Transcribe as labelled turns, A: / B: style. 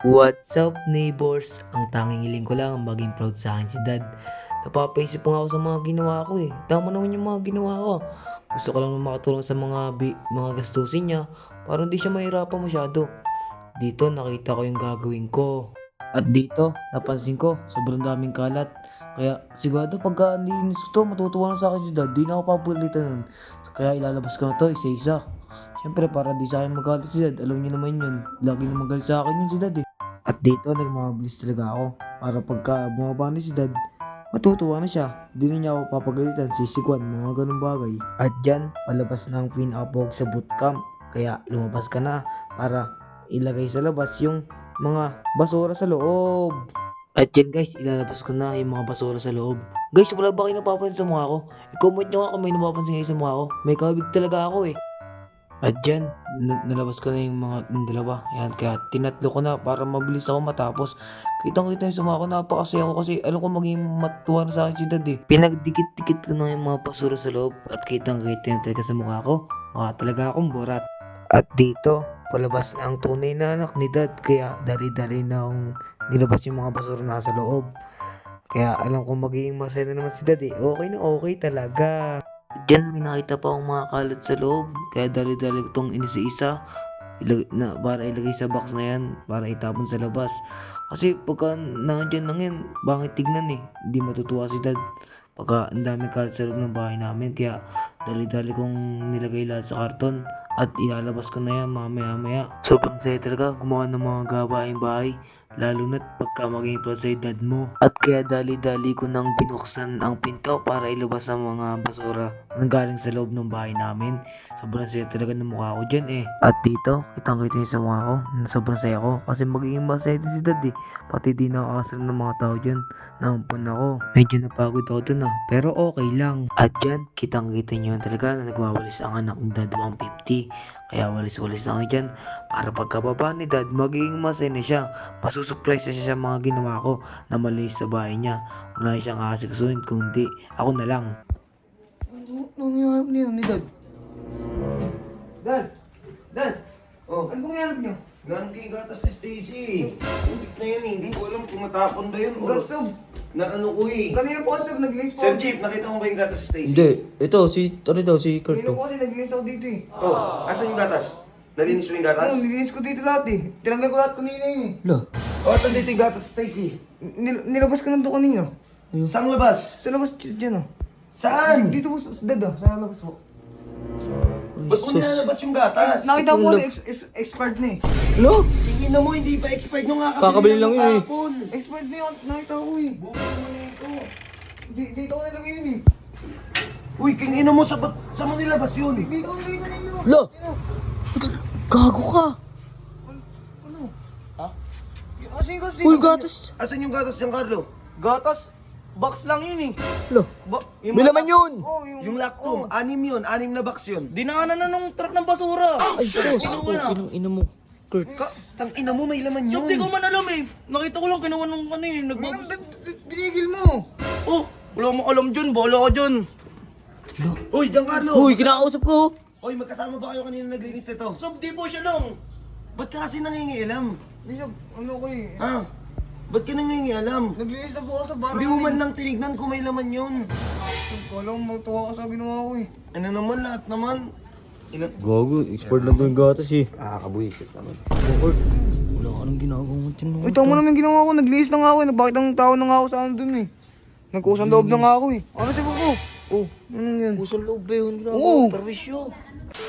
A: What's up neighbors? Ang tanging hiling ko lang maging proud sa akin si dad. Napapaisip pa nga ako sa mga ginawa ko eh. Tama naman yung mga ginawa ko. Gusto ko lang makatulong sa mga gastusin niya para hindi siya mahirapan masyado. Dito nakita ko yung gagawin ko. At dito napansin ko sobrang daming kalat. Kaya sigurado pagka nilinis ko to matutuwa na sa akin si dad. Di na ako papalitan nun. Kaya ilalabas ko na to isa-isa. Siyempre para di sa akin magalit si dad. Alam niyo naman yun. Lagi na magalit sa akin yun si dad eh. At dito nagmamabilis talaga ako para pagka bumaba na si dad, matutuwa na siya. Di na niya ako papagalitan, sisikwan, mga ganun bagay. At dyan, palabas na ang pinakapog sa bootcamp. Kaya lumabas ka na para ilagay sa labas yung mga basura sa loob. At yan guys, ilalabas ko na yung mga basura sa loob. Guys, wala ba kayo napapansin sa mukha ko? I-comment nyo nga kung may napapansin kayo sa mukha ko. May kabig talaga ako eh. At dyan, nalabas ko na yung dalawa. Yan, kaya tinatlo ko na para mabilis ako matapos. Kitang-kita yung sumako, napakasaya ko kasi alam ko maging matuwa na sa akin si dad eh. Pinagdikit-dikit ko na yung mga basura sa loob at kitang-kita yung talaga sa mukha ko. Mukha talaga akong borat. At dito, palabas na ang tunay na anak ni dad. Kaya dali-dali na akong nilabas yung mga basura na sa loob. Kaya alam ko magiging masaya na naman si dad eh. Okay na okay talaga. Diyan may nakita pa akong mga kalat sa loob. Kaya dali-dali itong inisa-isa para ilagay sa box na yan. Para itapon sa labas. Kasi pagka nandiyan lang yan, bangit tignan eh. Hindi matutuwa si dad. Pagka ang dami kalat sa loob ng bahay namin. Kaya dali-dali kong nilagay lahat sa karton. At ilalabas ko na yan mamaya-maya. Sobrang saya talaga gumawa ng mga gawaing bahay. Lalo na't pagka maging proud sa dad mo. At kaya dali-dali ko nang binuksan ang pinto para ilabas ang mga basura na galing sa loob ng bahay namin. Sobrang saya talaga ng mukha ko dyan eh. At dito, kitang-kita niyo sa mukha ko na sobrang saya ko. Kasi magiging masaya din si dad eh. Pati di nakakasal ng mga tao dyan. Naampun ako. Medyo napagod ako dun ah. Pero okay lang. At dyan, kitang-kita niyo talaga na nagwawalis ang anak ng dad 150. Kaya walis-walis na ako dyan para pagkababa ni dad magiging masaya na siya. Masusurprise na siya sa mga ginawa ko na mali sa bahay niya. Wala siyang kasikasuhin kundi ako na lang.
B: Ano hinahanap niyo ni Dad? Dad! Dad!
C: Oh,
B: Ano bang hinahanap niyo?
C: ganon kay gatas ni Stacy. Ulit na yan eh. Hindi ko alam kung matapon ba yun o
B: Gatsog!
C: na ano ko eh.
B: Kanina po kasi nag-list po.
C: Sir Chief, nakita mo ba yung gatas ni Stacy?
A: Hindi, ito si Kurt
B: Kanina po kasi nag-list ako dito eh.
C: Oh, asan yung gatas? Nalinis mo yung gatas?
B: Oo, nilinis ko dito lahat eh. Tinanggal ko lahat kanina yun eh.
A: Lo,
C: Oh, asan dito yung gatas ni Stacy?
B: Nilabas ko lang doon kanina.
C: Saan labas?
B: Sa labas dyan oh.
C: Saan?
B: Dito po, Dad ah, sa labas po.
C: Ba't mo nilalabas yung gatas?
B: Nakita ko kasi expert na eh.
A: lo,
C: Tingin na mo, hindi pa expired nung
A: Kakabili lang yun eh.
C: kahapon.
B: Expert na yun, nakita ko eh.
C: Bukan mo na ito.
B: Dito ko nilagay yun eh.
C: Uy, king ina mo, sa mo nilabas yun?
B: Dito ko nilagay kanina.
A: Lo!
B: Ano?
A: Gago ka.
B: Ano?
C: Ha?
B: Asin kasi
A: Uy, gatas.
C: Asan yung gatas, Giancarlo?
B: Gatas? Box lang yun eh.
A: Lo,
B: Yung
A: may laman yun.
B: Oh,
C: Yung lactum, 6 yun, 6 na box yun.
B: Dinaanan na nung truck ng basura.
A: Ay, sos. Kinang ina mo. Kurt.
C: Tang ina mo, may laman yun.
D: So, di ko man alam eh. Nakita ko lang kinuha nung ano eh.
B: Binigil mo.
D: Oh, wala mo alam dyan. Bola ka dyan.
C: Uy, Giancarlo!
A: Uy, kinakausap ko.
C: Uy, magkasama ba kayo kanina naglinis nito?
D: So, di po siya lang.
C: Ba't ka kasi nangingialam?
B: Bishop, ano ko eh.
C: Ha? Ba't ka nangingialam?
B: Naglinis na po ako sa bar.
C: Hindi mo man lang tinignan kung may laman yun.
B: Kala mo matuwa ka sa ginawa ko eh.
C: Ano naman, lahat naman.
A: Gago, expert lang yung gatas eh.
C: Nakakabuisit naman.
A: Kurt, wala ka nang ginagawa mo tino.
B: Uy, tama naman yung ginawa ko. Naglinis na nga ako eh. Nagbakit ang tao na nga ako sa ano dun eh. Nagkusang loob na nga ako eh. Ano si Buko? Oh, anong yan?
A: Pusong loob ba yun?
B: Oo.
A: Perwisyo.